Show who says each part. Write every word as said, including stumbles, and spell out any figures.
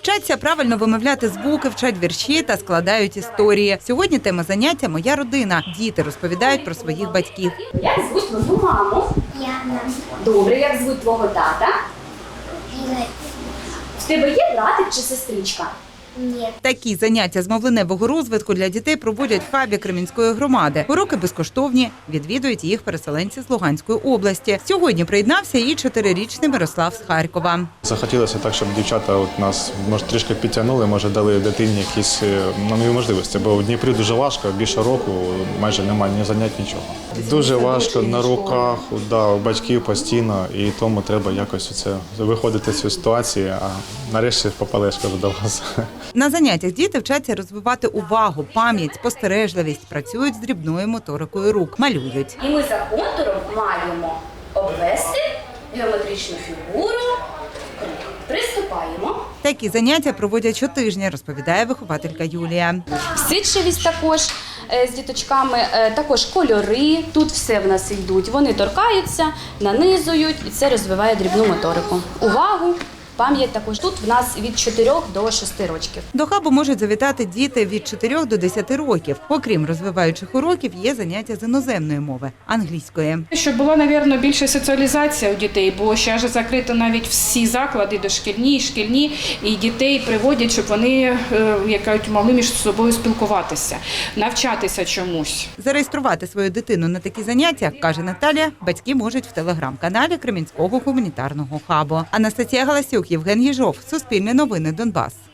Speaker 1: Вчаться правильно вимовляти звуки, вчать вірші та складають історії. Сьогодні тема заняття «Моя родина». Діти розповідають про своїх батьків.
Speaker 2: Як звуть твою маму?
Speaker 3: Яна.
Speaker 2: Добре, як звуть твого тата?
Speaker 3: Ігор.
Speaker 2: В тебе є братик чи сестричка?
Speaker 3: Ні.
Speaker 1: Такі заняття з мовленевого розвитку для дітей проводять в хабі Кремінської громади. Уроки безкоштовні, відвідують їх переселенці з Луганської області. Сьогодні приєднався і чотирирічний Мирослав з Харкова.
Speaker 4: Захотілося так, щоб дівчата от нас може трішки підтягнули, може дали дитині якісь нові можливості, бо в Дніпрі дуже важко, більше року майже немає ні занять, нічого. Дуже важко на руках, да, у батьків постійно, і тому треба якось оце виходити з цієї ситуації, а нарешті попали, я ж кажу, до вас.
Speaker 1: На заняттях діти вчаться розвивати увагу, пам'ять, спостережливість, працюють з дрібною моторикою рук, малюють.
Speaker 2: І ми за контуром маємо обвести геометричну фігуру. Приступаємо.
Speaker 1: Такі заняття проводять щотижня, розповідає вихователька Юлія.
Speaker 2: Всидчивість також е, з діточками, е, також кольори. Тут все в нас йдуть. Вони торкаються, нанизують, і це розвиває дрібну моторику. Увагу, пам'ять також. Тут в нас від чотирьох до шести років.
Speaker 1: До хабу можуть завітати діти від чотирьох до десяти років. Окрім розвиваючих уроків, є заняття з іноземної мови – англійської.
Speaker 5: Щоб була, мабуть, більша соціалізація у дітей, бо зараз закрито навіть всі заклади дошкільні, шкільні, і дітей приводять, щоб вони як кажуть, могли між собою спілкуватися, навчатися чомусь.
Speaker 1: Зареєструвати свою дитину на такі заняття, каже Наталія, батьки можуть в телеграм-каналі Кремінського гуманітарного хабу. Анастасія Галасюк, Євген Єжов, Суспільне новини, Донбас.